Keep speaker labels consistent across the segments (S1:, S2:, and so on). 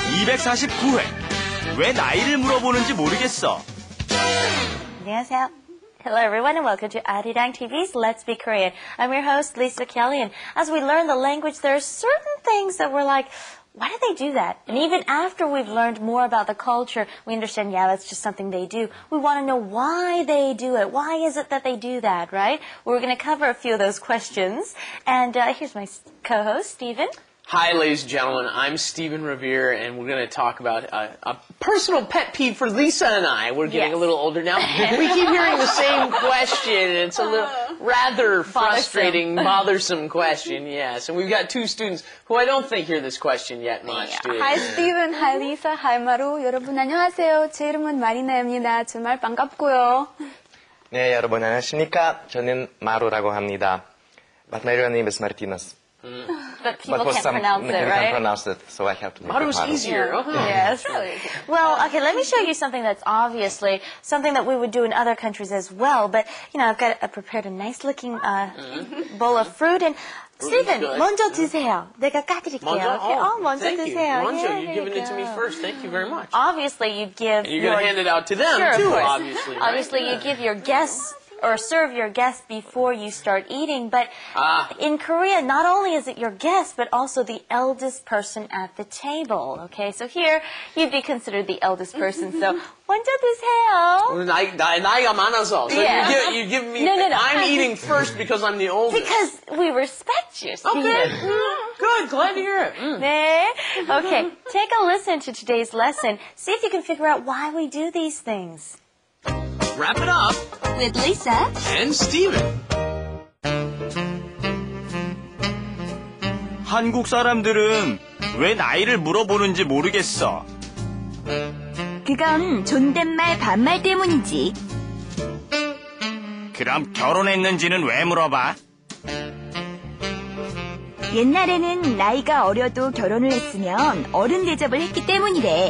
S1: 249회. 왜 나이를 물어보는지 모르겠어.
S2: 안녕하세요. Hello everyone and welcome to Arirang TV's Let's Be Korean. I'm your host, Lisa Kelly, and as we learn the language, there are certain things that we're like, why do they do that? And even after we've learned more about the culture, we understand, yeah, that's just something they do. We want to know why they do it. Why is it that they do that, right? We're going to cover a few of those questions. And here's my co-host, Stephen.
S3: Hi, ladies and gentlemen. I'm Stephen Revere, and we're going to talk about a personal pet peeve for Lisa and I. We're getting a little older now. We keep hearing the same question, and it's a little rather frustrating, bothersome question, yes. And we've got two students who I don't think hear this question yet much, do you?
S4: Hi, Stephen. Hi, Lisa. Hi, Maru. 여러분 안녕하세요. 제 이름은 마리나입니다. 정말 반갑고요.
S5: 네, 여러분 안녕하십니까? 저는 마루라고 합니다. But my real name is Martinez.
S2: But people can't pronounce it, right?
S5: Can't pronounce it, so I have to make
S3: Maru was easier.
S2: Yes. Well, okay, let me show you something that's obviously something that we would do in other countries as well. But, you know, I've prepared a nice-looking bowl of fruit. And, Stephen, 먼저 드세요. 내가 까드릴게요. 먼저
S3: thank
S2: 드세요.
S3: you.
S2: Yeah,
S3: You're giving it to me first. Thank you very much.
S2: Obviously, you give
S3: And you're going to hand it out to them,
S2: Sure,
S3: too,
S2: of course.
S3: obviously. Right?
S2: Obviously, you give your guests or serve your guests before you start eating. But in Korea, not only is it your guest, but also the eldest person at the table. Okay, so here, you'd be considered the eldest person. So, 먼저 드세요.
S3: 나이가 많아서. So
S2: Yeah.
S3: you give me...
S2: No.
S3: I'm eating first because I'm the oldest.
S2: Because we respect you, Stephen.
S3: Okay. Good. Glad to hear it.
S2: 네. Okay, take a listen to today's lesson. See if you can figure out why we do these things.
S3: Wrap it up.
S2: With Lisa
S3: And Stephen.
S1: 한국 사람들은 왜 나이를 물어보는지 모르겠어.
S6: 그건 존댓말 반말 때문이지.
S1: 그럼 결혼했는지는 왜 물어봐?
S6: 옛날에는 나이가 어려도 결혼을 했으면 어른 대접을 했기 때문이래.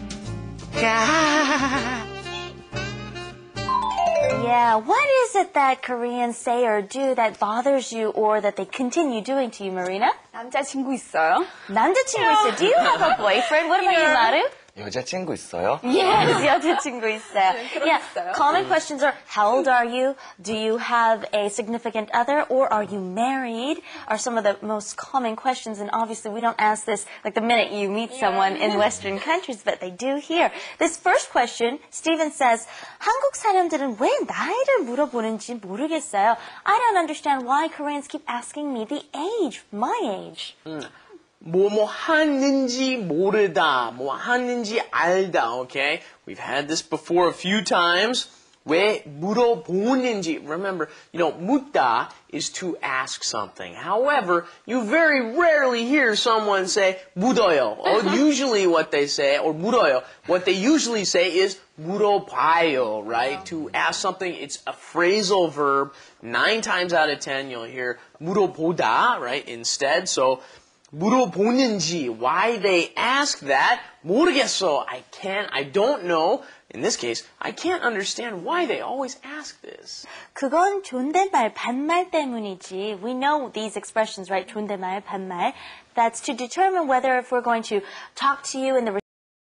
S2: Yeah, what is it that Koreans say or do that bothers you or that they continue doing to you, Marina?
S4: 남자친구 있어요?
S2: 남자친구 있어요. Do you have a boyfriend? What about you, Maru?
S5: 여자친구 있어요?
S2: Yes, 여자친구 있어요. Yeah,
S4: 있어요.
S2: common questions are, how old are you? Do you have a significant other? Or are you married? Are some of the most common questions. And obviously, we don't ask this like the minute you meet someone in Western countries, but they do here. This first question, Stephen says, 한국 사람들은 왜 나이를 물어보는지 모르겠어요. I don't understand why Koreans keep asking me the age, my age.
S3: 뭐 하는지 모르다, 뭐 하는지 알다, okay? We've had this before a few times. 왜 물어보는지, remember, 묻다 is to ask something. However, you very rarely hear someone say 묻어요. Usually what they say, or 물어요, what they usually say is 물어봐요, right? To ask something, it's a phrasal verb. 9 times out of 10, you'll hear 물어보다, right, instead. So, 물어보는지, why they ask that, 모르겠어. I don't know. In this case, I can't understand why they always ask this.
S2: 그건 존댓말, 반말 때문이지. We know these expressions, right? 존댓말, 반말. That's to determine whether if we're going to talk to you in the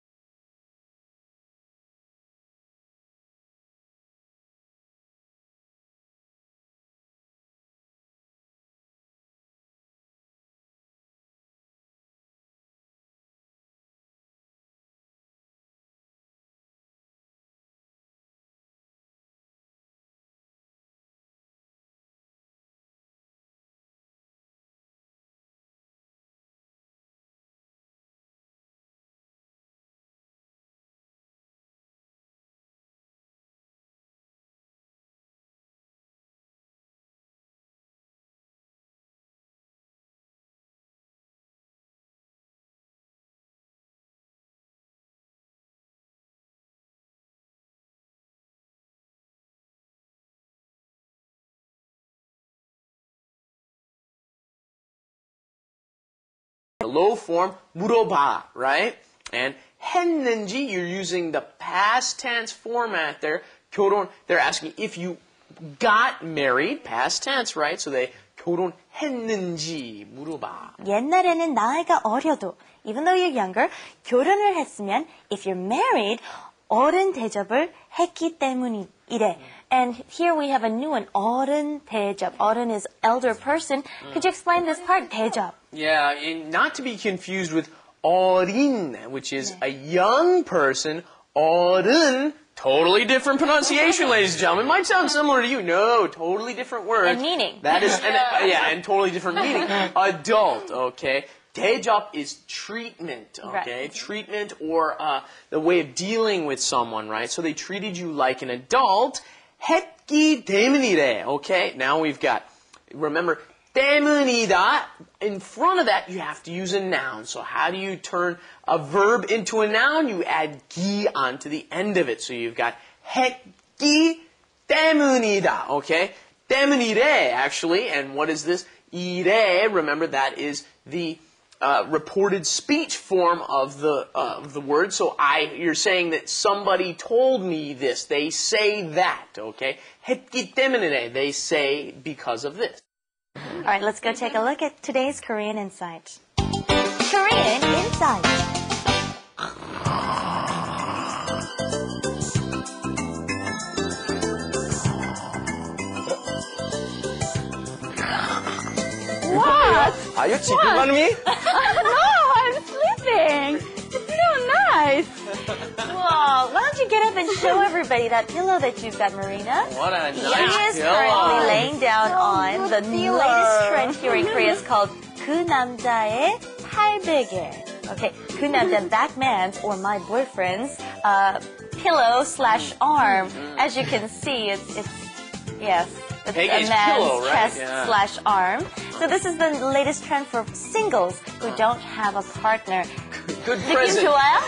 S3: The low form, 물어봐, right? And 했는지, you're using the past tense format there. 결혼, they're asking if you got married, past tense, right? So they 결혼했는지 물어봐.
S2: 옛날에는 나이가 어려도 even though you're younger, 결혼을 했으면, if you're married, 어른 대접을 했기 때문이래. And here we have a new one, 어른 대접. 어른 is elder person. Could you explain this part, 대접?
S3: Yeah, and not to be confused with 어린, which is a young person. 어른, totally different pronunciation, ladies and gentlemen. Might sound similar to you. No, totally different words.
S2: And meaning.
S3: That is, and totally different meaning. Adult, okay? 대접 is treatment, okay?
S2: Right.
S3: Treatment or the way of dealing with someone, right? So they treated you like an adult. 했기 때문이래, okay? Now we've got, remember, 때문이다. In front of that, you have to use a noun. So how do you turn a verb into a noun? You add 기 onto the end of it. So you've got 했기 때문이다, okay? 때문이래, actually. And what is this? 이래, remember that is the reported speech form of the word. So you're saying that somebody told me this. They say that, okay? 했기 때문에, they say because of this.
S2: All right, let's go take a look at today's Korean Insight. Korean Insight.
S4: What?
S5: Are you cheating on me?
S4: No, I'm sleeping. It's so nice.
S2: Whoa, why don't you get up and show everybody that pillow that you've got, Marina?
S3: What a
S2: He
S3: nice
S2: is
S3: pillow.
S2: currently laying down on the
S4: pillow.
S2: latest trend here in Korea. It's called 그 남자의 팔베개. Okay, 그 남자, that man's or my boyfriend's pillow / arm. As you can see, it's yes. It's
S3: Peggy's
S2: a man's
S3: pillow, right?
S2: chest
S3: Yeah.
S2: / arm. So this is the latest trend for singles who don't have a partner.
S3: Good
S2: 느낌
S3: present.
S2: 좋아요?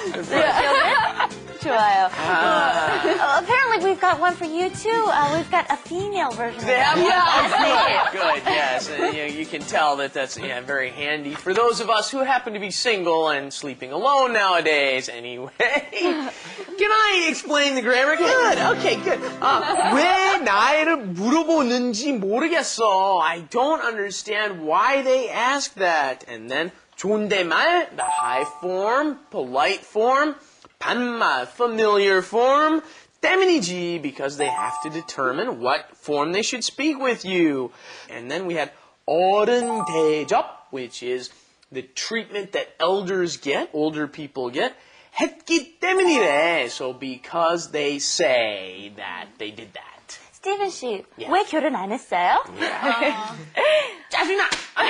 S2: 좋아요. Apparently we've got one for you too. We've got a female version.
S3: They have
S2: of
S3: yeah, good, yes. You can tell that's very handy for those of us who happen to be single and sleeping alone nowadays. Anyway, can I explain the grammar? Good. Okay, good. 왜 나이를 물어보는지 모르겠어. I don't understand why they ask that. And then 존댓말, the high form, polite form. 반말, familiar form. 때문이지, because they have to determine what form they should speak with you. And then we had 어른 대접, which is the treatment that elders get, older people get. 했기 때문이래, so because they say that they did that.
S2: 스티븐 씨,
S3: Yeah.
S2: 왜 결혼 안 했어요?
S3: 짜증나!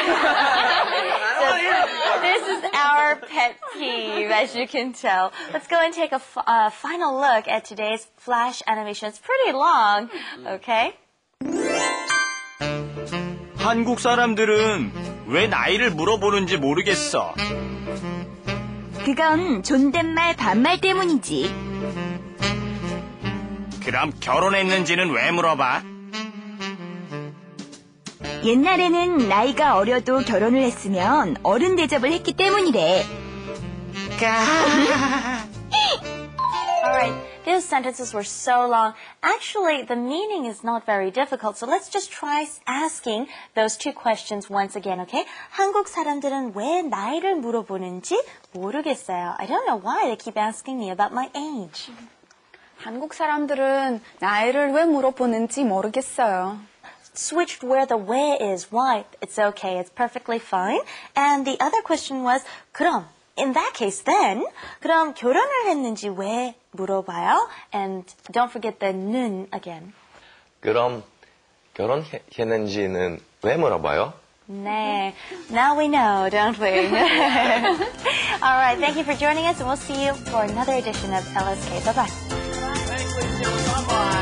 S2: This is our pet peeve, as you can tell. Let's go and take a final look at today's flash animation. It's pretty long, okay?
S1: 한국 사람들은 왜 나이를 물어보는지 모르겠어.
S6: 그건 존댓말 반말 때문이지.
S1: 그럼 결혼했는지는 왜 물어봐?
S6: 옛날에는 나이가 어려도 결혼을 했으면 어른 대접을 했기 때문이래.
S2: Alright, these sentences were so long. Actually, the meaning is not very difficult, so let's just try asking those two questions once again, okay? 한국 사람들은 왜 나이를 물어보는지 모르겠어요. I don't know why they keep asking me about my age.
S4: 한국 사람들은 나이를 왜 물어보는지 모르겠어요.
S2: Switched where the 왜 is, why, it's okay, it's perfectly fine. And the other question was, 그럼, in that case then, 그럼 결혼을 했는지 왜 물어봐요? And don't forget the 는 again.
S5: 그럼 결혼했는지는 왜 물어봐요?
S2: 네. Now we know, don't we? All right, thank you for joining us, and we'll see you for another edition of LSK. Bye-bye.
S3: Thanks, ladies and gentlemen. Bye-bye.